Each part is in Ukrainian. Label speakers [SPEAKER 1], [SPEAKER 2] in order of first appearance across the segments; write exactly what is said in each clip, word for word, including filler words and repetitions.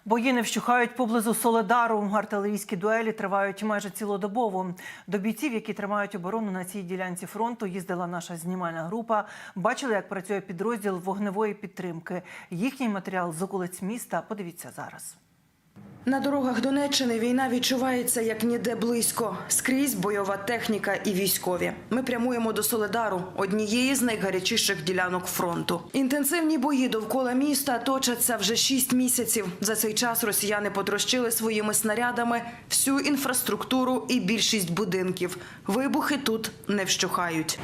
[SPEAKER 1] Бої не вщухають поблизу Соледару. Артилерійські дуелі тривають майже цілодобово. До бійців, які тримають оборону на цій ділянці фронту, їздила наша знімальна група. Бачили, як працює підрозділ вогневої підтримки. Їхній матеріал з околиць міста подивіться зараз.
[SPEAKER 2] На дорогах Донеччини війна відчувається як ніде близько. Скрізь бойова техніка і військові. Ми прямуємо до Соледару, однієї з найгарячіших ділянок фронту. Інтенсивні бої довкола міста точаться вже шість місяців. За цей час росіяни потрощили своїми снарядами всю інфраструктуру і більшість будинків. Вибухи тут не вщухають.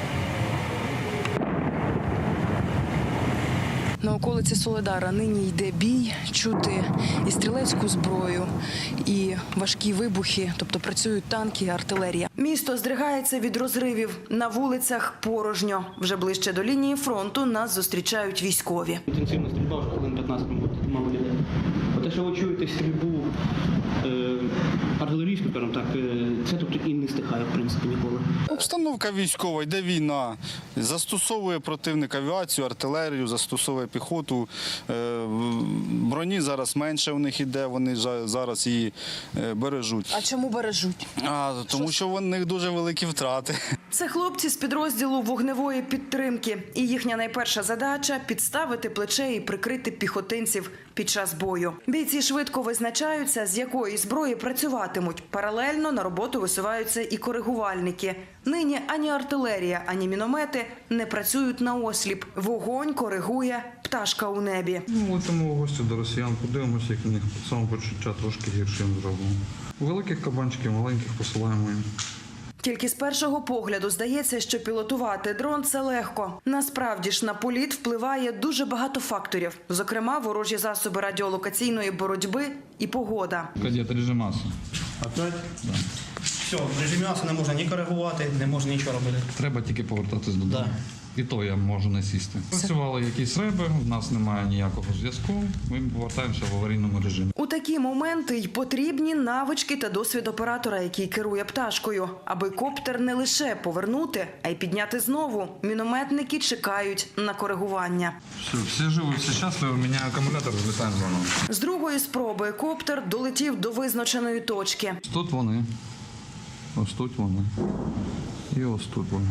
[SPEAKER 2] На околиці Соледара нині йде бій, чути і стрілецьку зброю, і важкі вибухи, тобто працюють танки і артилерія. Місто здригається від розривів, на вулицях порожньо. Вже ближче до лінії фронту нас зустрічають військові.
[SPEAKER 3] Інтенсивна стрільба вже хвилин п'ятнадцять мало людей. Те, що ви чуєте стрільбу е, артилерійську, скажімо так, е, це тут і не стихає, в принципі, ніколи.
[SPEAKER 4] Обстановка військова, йде війна. Застосовує противник авіацію, артилерію, застосовує піхоту. Е, броні зараз менше у них іде, вони зараз її бережуть.
[SPEAKER 2] А чому бережуть?
[SPEAKER 4] А, тому що у них дуже великі втрати.
[SPEAKER 2] Це хлопці з підрозділу вогневої підтримки. І їхня найперша задача – підставити плече і прикрити піхотинців під час бою. Бійці швидко визначаються, з якої зброї працюватимуть. Паралельно на роботу висуваються і коригувальники. Нині ані артилерія, ані міномети не працюють наосліп. Вогонь коригує пташка у небі.
[SPEAKER 5] Ну, летимо в гості до росіян, подивимося, як у них самопочуття трошки гіршим зробимо. Великих кабанчиків, маленьких посилаємо їм.
[SPEAKER 2] Тільки з першого погляду здається, що пілотувати дрон – це легко. Насправді ж на політ впливає дуже багато факторів. Зокрема, ворожі засоби радіолокаційної боротьби і погода.
[SPEAKER 5] Кадет, режим маси.
[SPEAKER 3] Опять? Да. Все, в режимі маси не можна ні коригувати, не можна нічого робити.
[SPEAKER 5] Треба тільки повертатись додому.
[SPEAKER 3] Да.
[SPEAKER 5] І то я можу не сісти. Працювали якісь реби, в нас немає ніякого зв'язку, ми повертаємося в аварійному режимі.
[SPEAKER 2] У такі моменти й потрібні навички та досвід оператора, який керує пташкою. Аби коптер не лише повернути, а й підняти знову. Мінометники чекають на коригування.
[SPEAKER 5] Все, всі живі, всі щасливі, у мене акумулятор злітаємо заново.
[SPEAKER 2] З другої спроби коптер долетів до визначеної точки.
[SPEAKER 5] Тут вони, ось тут вони і ось тут вони.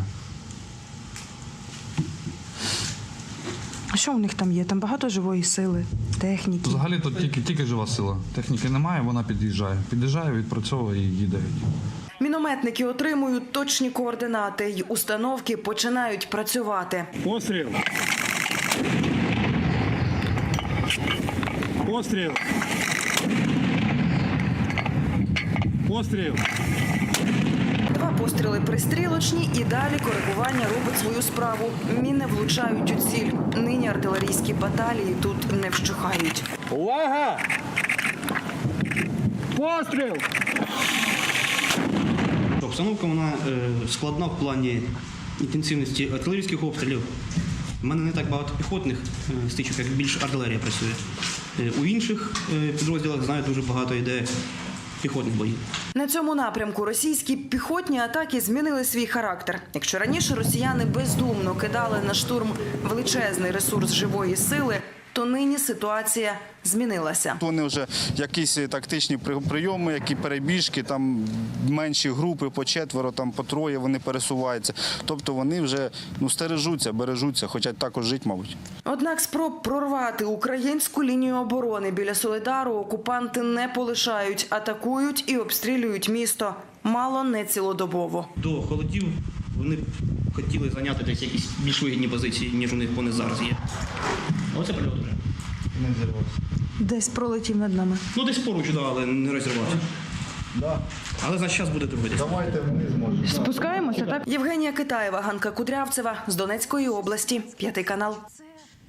[SPEAKER 2] А що у них там є? Там багато живої сили, техніки.
[SPEAKER 5] Взагалі тут тільки, тільки жива сила. Техніки немає, вона під'їжджає. Під'їжджає, відпрацьовує і їде.
[SPEAKER 2] Мінометники отримують точні координати й установки починають працювати.
[SPEAKER 6] Постріл. Постріл. Постріл.
[SPEAKER 2] Два постріли пристрілочні і далі коригування робить свою справу. Міни влучають у ціль. Нині артилерійські баталії тут не вщухають.
[SPEAKER 6] Увага! Постріл!
[SPEAKER 3] Обстановка вона е, складна в плані інтенсивності артилерійських обстрілів. У мене не так багато піхотних е, стичок, як більш артилерія працює. Е, у інших е, підрозділах, знаю, дуже багато йде піхотних боїв.
[SPEAKER 2] На цьому напрямку російські піхотні атаки змінили свій характер. Якщо раніше росіяни бездумно кидали на штурм величезний ресурс живої сили, то нині ситуація змінилася.
[SPEAKER 4] Вони вже якісь тактичні прийоми, які перебіжки, там менші групи по четверо, там по троє вони пересуваються. Тобто вони вже ну, стережуться, бережуться, хочуть також жити, мабуть.
[SPEAKER 2] Однак спроб прорвати українську лінію оборони біля Соледару окупанти не полишають, атакують і обстрілюють місто мало не цілодобово.
[SPEAKER 3] До холодів вони хотіли зайняти десь якісь більш вигідні позиції, ніж у них вони зараз є. Оце прильот вже.
[SPEAKER 4] Не зірвався.
[SPEAKER 2] Десь пролетів над нами.
[SPEAKER 3] Ну десь поруч, да, але не розірвався.
[SPEAKER 4] Да.
[SPEAKER 3] Але за час буде другий десь.
[SPEAKER 4] Давайте вниз можемо.
[SPEAKER 2] Спускаємося, так? Євгенія Китаєва, Ганка Кудрявцева з Донецької області, п'ятий канал.